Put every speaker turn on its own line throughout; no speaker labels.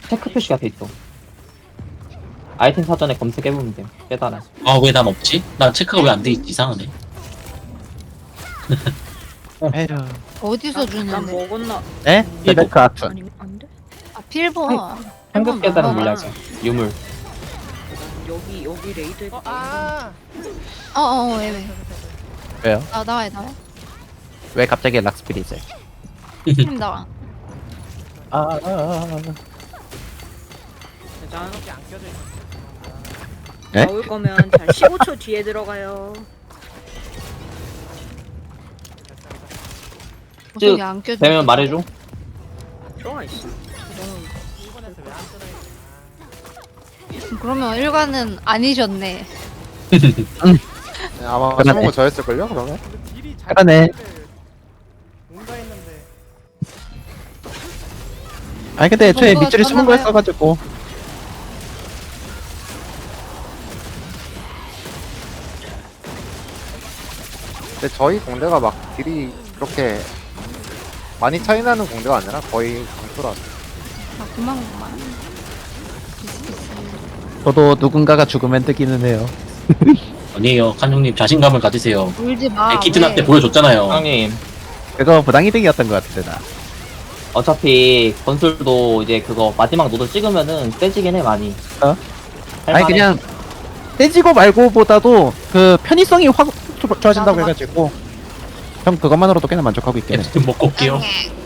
체크 표시가 돼 있어. 아이템 사전에 검색해보면 돼. 깨달아.
아 왜 난 없지? 난 체크가 왜 안 돼 있지? 이상하네.
에휴.
어디서
난
주는데?
먹었나?
네? 레베크 아툰.
아니 안 돼?
아 필보.
한국 깨달은 물약이야. 유물.
여기 레이드 했대.
왜?
왜요?
나와요.
왜 갑자기 락스피리즈?
힘 나와.
짠.
네?
나올 거면 잘 15초 뒤에 들어가요.
어떻게 안 껴져?
되면 말해줘.
들어가 있어.
그러면 일관은 아니셨네.
아마
그러네.
처먹은 저였을걸요 그러면?
그러네. 아니 근데 애초에
뭔가
밑줄이 숨은
떴나 봐요.
거였어가지고.
근데 저희 공대가 막 딜이 그렇게 많이 차이 나는 공대가 아니라 거의 강수라.
그만.
저도 누군가가 죽으면 뜨기는 해요.
아니에요. 칸형님 자신감을 가지세요.
울지 마.
키트나 때
왜?
보여줬잖아요.
형님,
그거 부당이득이었던 것 같은데 나.
어차피 건술도 이제 그거 마지막 노드 찍으면은 세지긴 해, 많이.
어? 아니
할만해.
그냥 떼지고 말고보다도 그 편의성이 확 좋아진다고
나도
해가지고 형 그것만으로도 꽤나 만족하고 있긴 해.
좀 먹고 올게요.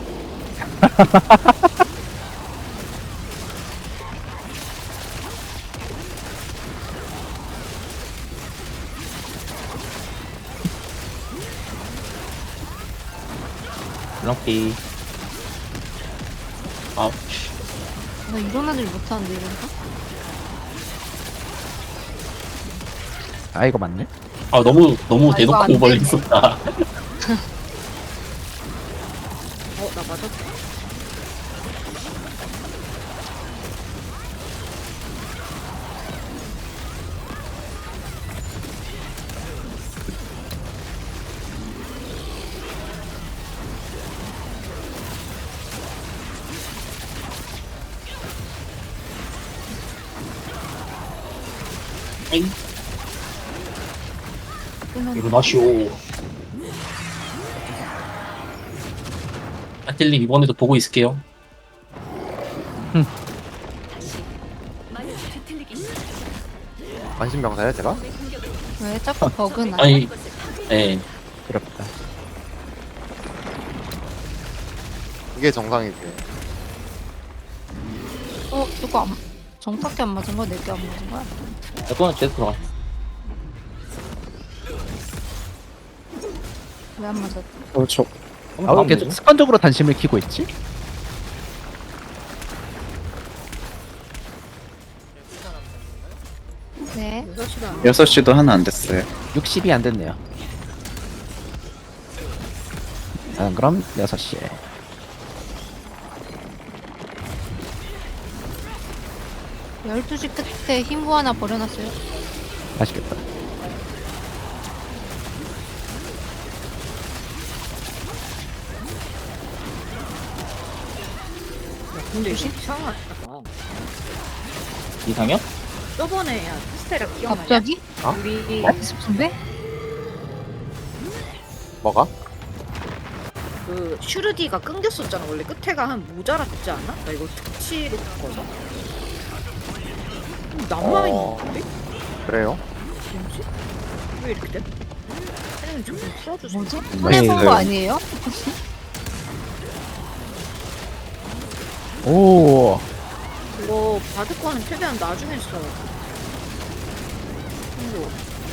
럭키.
아,
나 일어나질 못하는데 이런가?
아 이거 맞네.
아 너무
이거 안
대놓고 멀리
되네.
있었다.
나 맞았다.
에잉,
끊어.
일어나시오.
아틀님 이번에도 보고 있을게요.
관심병사예요 제가?
왜 자꾸 버그나?
아니, 예.
부럽다.
이게 정상이지.
이거 정탁기 안 맞은 거야? 내게 안 맞은 거야?
내 거는 제대로 들어갔어.
왜 안 맞았지?
그렇죠. 아, 계속 습관적으로 단심을 키고 있지?
네.
6시도 안
6시도 하나 안 됐어요.
60이 안 됐네요. 그럼 6시에.
열두 시 끝에 흰부 하나 버려놨어요.
맛있겠다.
근데 이거 이상하다.
이상형?
저번에 스테라 기억나냐?
갑자기?
우리
스푼데?
뭐가?
그 슈르디가 끊겼었잖아. 원래 끝에가 한 모자랐지 않아? 나 이거 특치로 바꿔서. 남아있는데?
그래요?
뭐지? 왜 이렇게 돼? 선생님 좀 풀어주세요.
뭐지? 손해본 거 아니에요?
오.
이거 받을 거는 최대한 나중에 써요. 이거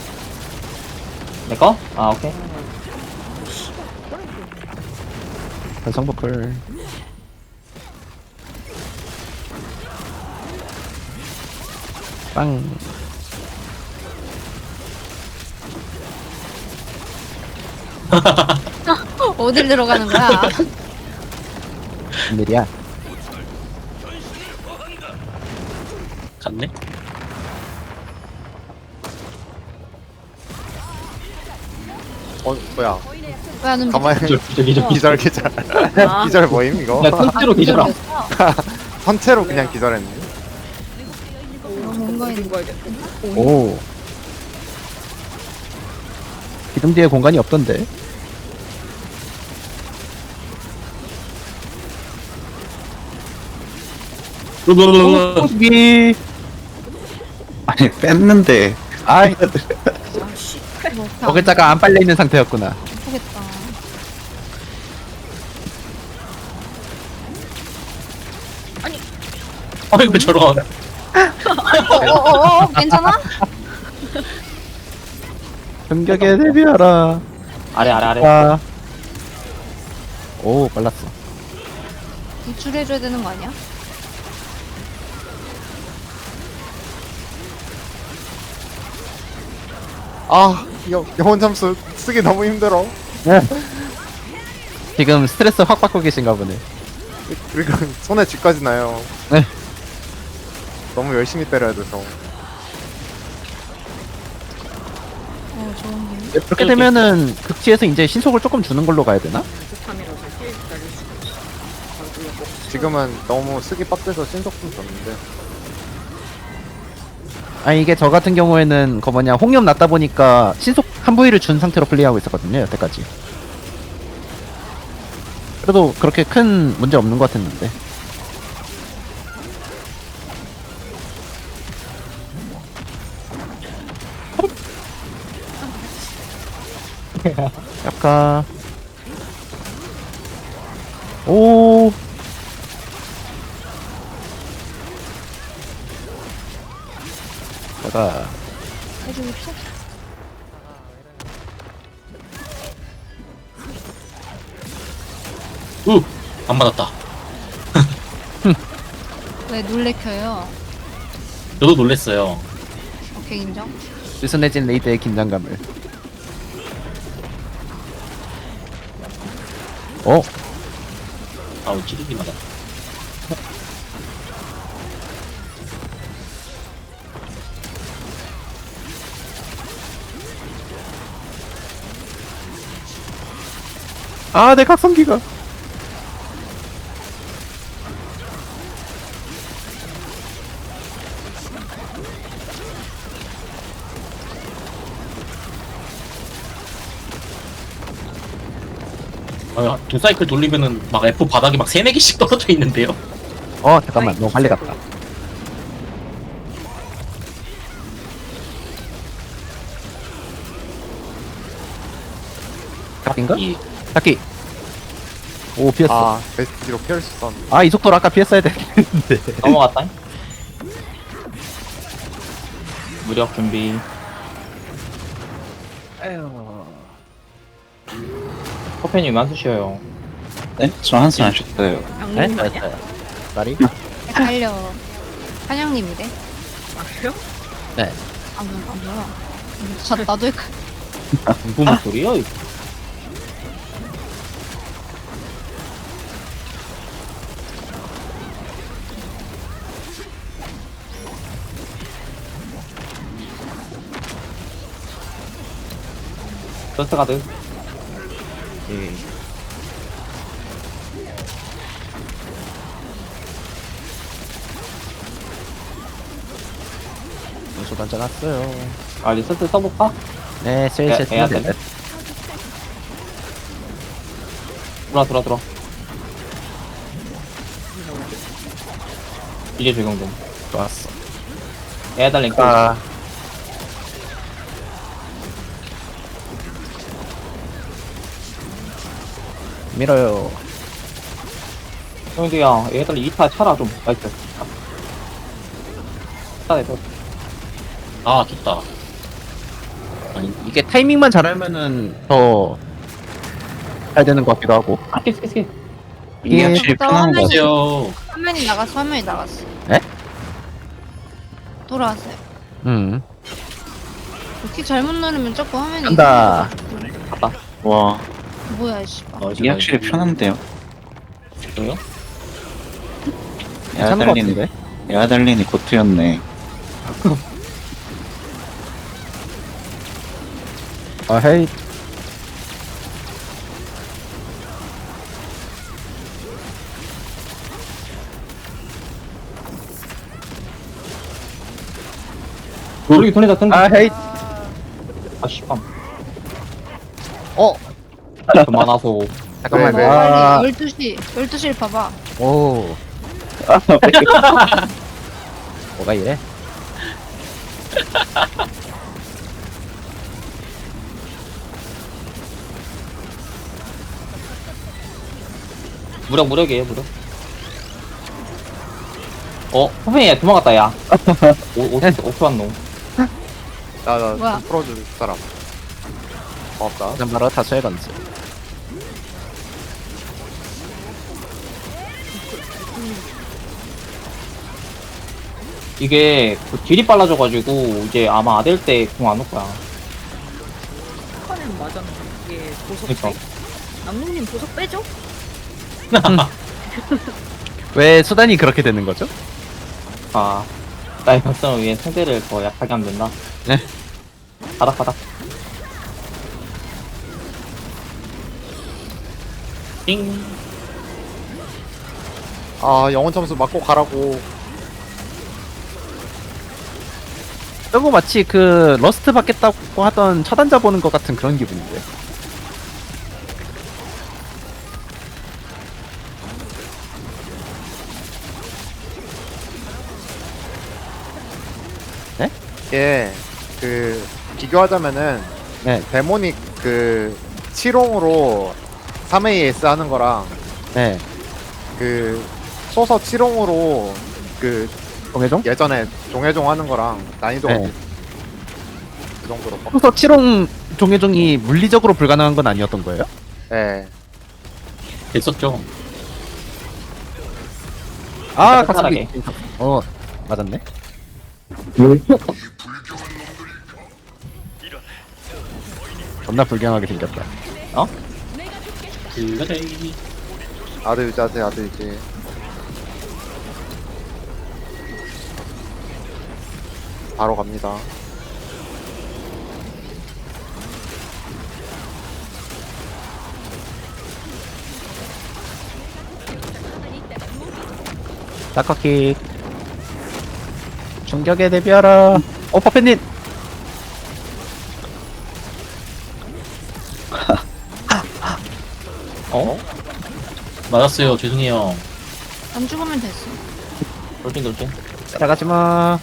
내 거? 아, 오케이.
씨발 그거는
변성버클. 빵.
어딜 들어가는 거야?
웬일이야?
갔네?
뭐야?
왜 안 움직여?
가만히
기절.
기절 기절
아.
기절 뭐임 이거?
야, 컨트로 기절함.
선체로 그냥 기절했네.
뭔가 있는
거야 돼.
오. 기둥 뒤에 공간이 없던데. 기
아니 뺐는데
아이,
아씨.
뭐
어글자가 안 빨려 있는 상태였구나.
아프겠다.
아이고 저런.
괜찮아?
공격에 대비하라.
아래 아래 아래.
아. 오, 빨랐어.
구출해줘야 되는 거 아니야?
아, 영혼 잠수 쓰기 너무 힘들어.
지금 스트레스 확 받고 계신가 보네.
그리고 손에 쥐까지 나요.
네.
너무 열심히 때려야 돼서.
좋은 게.
그렇게 되면은 극치에서 이제 신속을 조금 주는 걸로 가야 되나?
스탐이라서 힐 기다릴 수가 없어. 바로 눌러보고.
지금은 너무 쓰기 빡세서 신속 좀 줬는데.
아니 이게 저 같은 경우에는 그 뭐냐 홍염 났다 보니까 신속 한 부위를 준 상태로 플레이하고 있었거든요 여태까지. 그래도 그렇게 큰 문제 없는 것 같았는데. 약간 오 내가
해주십시오.
안 맞았다.
왜 놀래켜요?
저도 놀랬어요.
오케이 인정.
느슨해진 레이드의 긴장감을. 어?
아우 찌르기 맞았다.
아, 내 각성기가.
아, 두 사이클 돌리면은 막 F 바닥에 막 3-4개씩 떨어져 있는데요?
어, 잠깐만. 너무 빨리 갔다. 깎인가?
이
깎기. 오, 피했어.
아, 베스트로 피할 수 있었는데.
아, 이 속도로 아까 피했어야 되는데.
넘어갔다. 무력 준비. 커피님 한수 쉬어요.
네? 저 한숨 안 쉬었어요.
양님 아니야?
말이?
헷갈려. 한양님이래.
아 그래요?
아 뭐야? 나도 헷갈려.
무슨 소리야? 이거? 저스트 가드.
요소 던져놨어요.
아 리서트 써볼까?
네, 셀
해야 되네. 들어와. 이제 적용됨.
좋았어.
에어달링 고.
아, 밀어요.
형들야 에어달링 2타 차라 좀. 나이스. 차네 또.
아 좋다. 아니
이게 타이밍만 잘하면은 더 잘 되는 것 같기도 하고.
스킵.
이게
예.
확실히 편한 거 같아요.
안녕하세요.
화면이 나갔어.
에?
돌아왔어요.
키
키 잘못 누르면 자꾸 화면이
간다.
와
뭐야 씨발.
이게 확실히 편한데요.
저요?
괜찮은 것
야달린이
같은데?
야달린이 고트였네.
아, 헤이.
돌리기 돌리다 뜬.
아 헤이.
아 씨발.
어?
그만하소.
잠깐만,
너
네.
빨리 12시를 봐봐.
오. 뭐가 이래?
무력이에요 무력. 선생님 도망갔다 야. 어떻게 왔노?
나
뭐야?
좀 풀어줄 사람. 고맙다.
전 바로 다수의 건지.
이게 그 딜이 빨라져가지고 이제 아마 아델 때 공 안 올 거야.
스파는 맞았는데 이게 보석
그니까.
차이? 남룡님 보석 빼죠?
왜 수단이 그렇게 되는 거죠?
아 나의 발성을 위해 상대를 더 약하게 하면 된다.
네.
바닥.
띵.
아, 영혼 점수 맞고 가라고.
저거 마치 그 러스트 받겠다고 하던 처단자 보는 것 같은 그런 기분인데.
이게, 비교하자면은,
네.
데모닉 치롱으로 3AS 하는 거랑,
네.
소서 치롱으로,
동해종?
예전에 종해종 하는 거랑 난이도가
네.
그 정도로.
그래서 7홍 종해종이 물리적으로 불가능한 건 아니었던 거예요?
예.
됐었죠.
아,
편하게.
가슴이. 맞았네. 존나 불경하게 생겼다.
그래.
아들 유지하세요, 아들 유지. 바로 갑니다.
다커킥. 충격에 대비하라. 퍼펫님!
맞았어요. 죄송해요.
안 죽으면 됐어.
돌진.
따라가지마.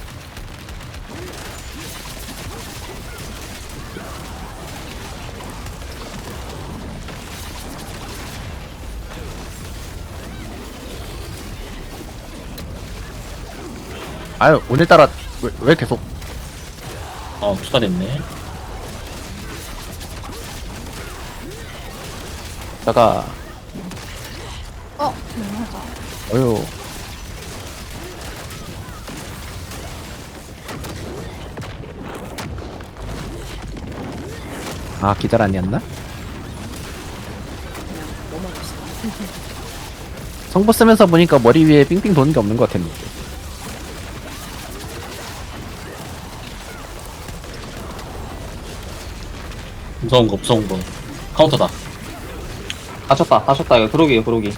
아유, 오늘따라 왜 계속.
추가됐네.
내가,
너무하다.
어휴. 아, 기절 아니었나?
그냥 넘어갑시다.
성보 쓰면서 보니까 머리 위에 삥삥 도는 게 없는 것 같았는데.
무서운 거. 카운터다.
다쳤다 이거 그러기.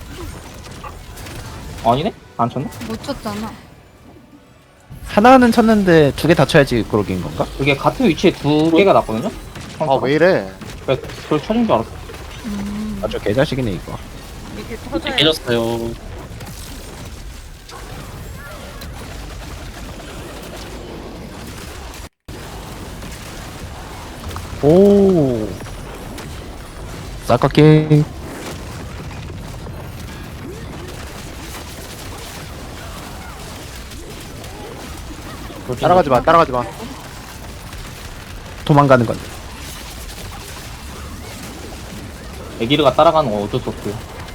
아니네? 안 쳤나?
못 쳤잖아.
하나는 쳤는데 두 개 다쳐야지 그러기인 건가?
그게 같은 위치에 두 개가 났거든요?
아, 왜 이래?
그래서 그걸 쳐준 줄 알았어.
아주 개자식이네 이거.
이게 터져야
깨졌어요.
오. 사커킥.
따라가지 마, 따라가지 마.
도망가는 건데.
애기르가 따라가는 건 어쩔 수 없고요.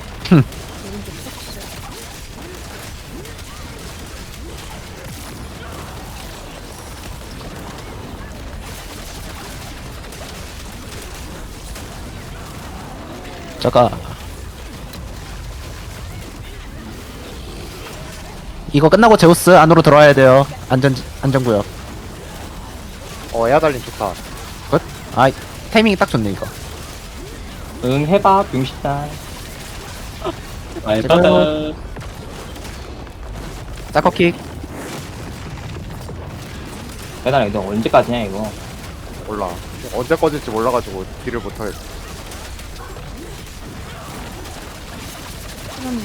잠깐. 이거 끝나고 제우스 안으로 들어와야 돼요. 안전구역.
에아달린 좋다.
굿. 아, 타이밍이 딱 좋네 이거.
응 해봐 병신아.
알바다.
사커킥.
배달이 이거 언제까지냐 이거.
몰라. 언제 꺼질지 몰라가지고 딜을 못하겠어.
그러네요.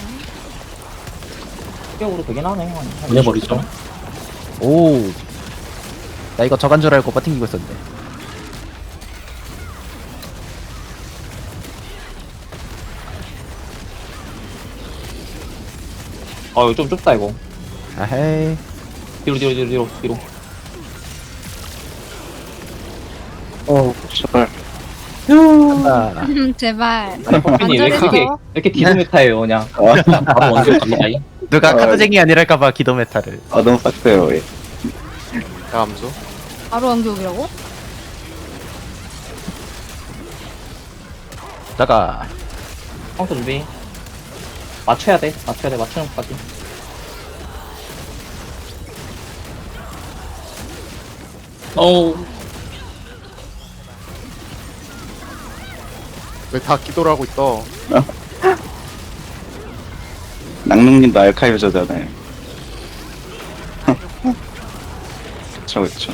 합격으로 되긴 하네.
보내버리죠.
오. 나 이거 저간 줄 알고 버팅기고 있었는데.
이거 좀 좁다 이거.
아헤이.
뒤로.
제발.
간다.
제발.
아니 퍼핀이 왜
안전해서.
이렇게 디도메타예요 그냥.
바로 원격 갑니다.
누가
아,
카드쟁이 아니랄까봐 기도 메타를.
아, 너무 빡세요, 예.
다음수.
바로 완격이라고?
자가.
카운터 준비. 맞춰야 돼 맞추는 것까지.
어우,
왜 다 기도를 하고 있어?
낙릉님도 알카이브저잖아요. 그쵸.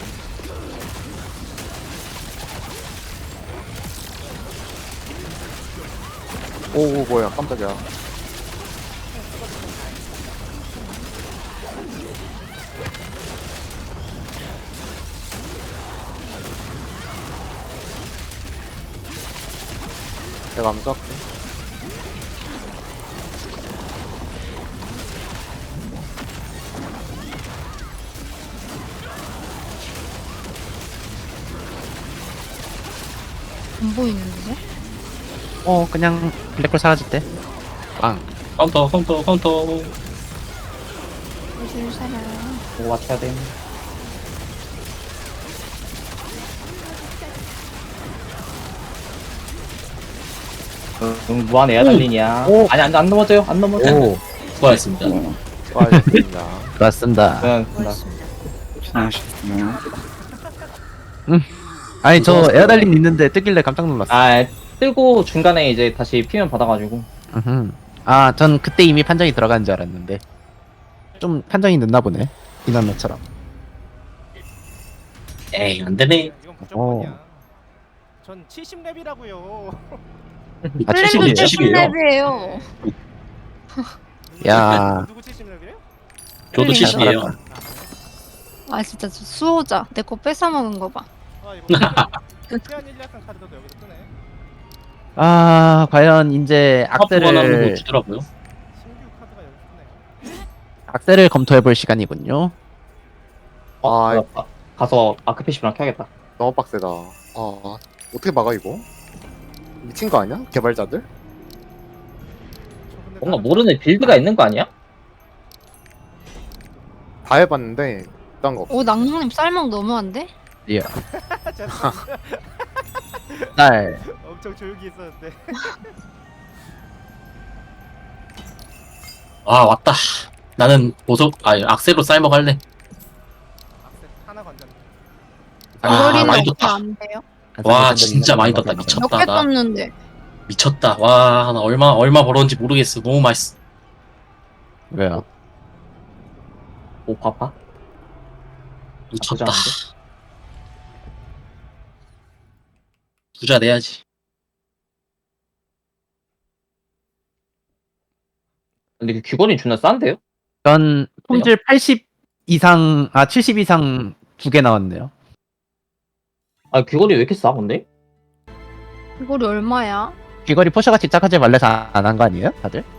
오, 뭐야, 깜짝이야. 내가 암수할게.
안 보이는데?
그냥 블랙홀 사라질 때. 빵.
카운터.
무술 살아요.
이거 맞춰야 돼. 무한 에어달린이야. 아니 안 넘어져요. 안 넘어져.
오.
수고하셨습니다.
수고하셨습니다.
좋았습니다.
네,
고맙습니다.
고생하셨습니다.
아니 저 에어달린 있는데 뜨길래 깜짝 놀랐어.
뜨고 중간에 이제 다시 피면 받아가지고.
전 그때 이미 판정이 들어간 줄 알았는데 좀 판정이 늦나 보네. 이난노처럼.
에이, 안 되네.
이건 무조건이야.
어.
전 70렙이라고요.
아,
플랜도
70 이에요.
70렙이에요.
야.
누구 70렙이에요?
저도
잘
70이에요.
아 진짜 저 수호자. 내 거 뺏어먹은 거 봐.
아 이거 태안 1약한 카드도 여기서 뜨네.
과연 이제
하프만 하는 거
악셀을
주더라고요.
신규 카드가 여기서 뜨네.
악셀을 검토해볼 시간이군요.
아,
가서 아크패시브랑 켜야겠다.
너무 빡세다. 어떻게 막아, 이거? 미친 거 아니야? 개발자들?
저 근데
뭔가
나는
모르는 빌드가 있는 거 아니야?
다 해봤는데, 그딴 거 없어.
오 낭낭님 쌀먹 너무한데?
예.
죄송합니다.
쌀.
엄청 조용히 있었는데.
아, 왔다. 나는 악셀로 쌀먹 할래.
악셀 하나 관전.
이거리는
많이
어떻게
떴다.
안 돼요?
와, 진짜 많이 떴다.
몇
미쳤다.
개
나
떴는데.
미쳤다. 와, 나 얼마 벌었는지 모르겠어. 너무 맛있어.
왜요?
오 파파.
미쳤다.
않은데?
부자 내야지.
근데 그 귀걸이 존나 싼데요?
전 품질 80 이상, 70 이상 2개 나왔네요.
귀걸이 왜 이렇게 싸 근데?
이거리 얼마야?
귀걸이 포셔같이 짝하지 말래서 안 한 거 아니에요? 다들?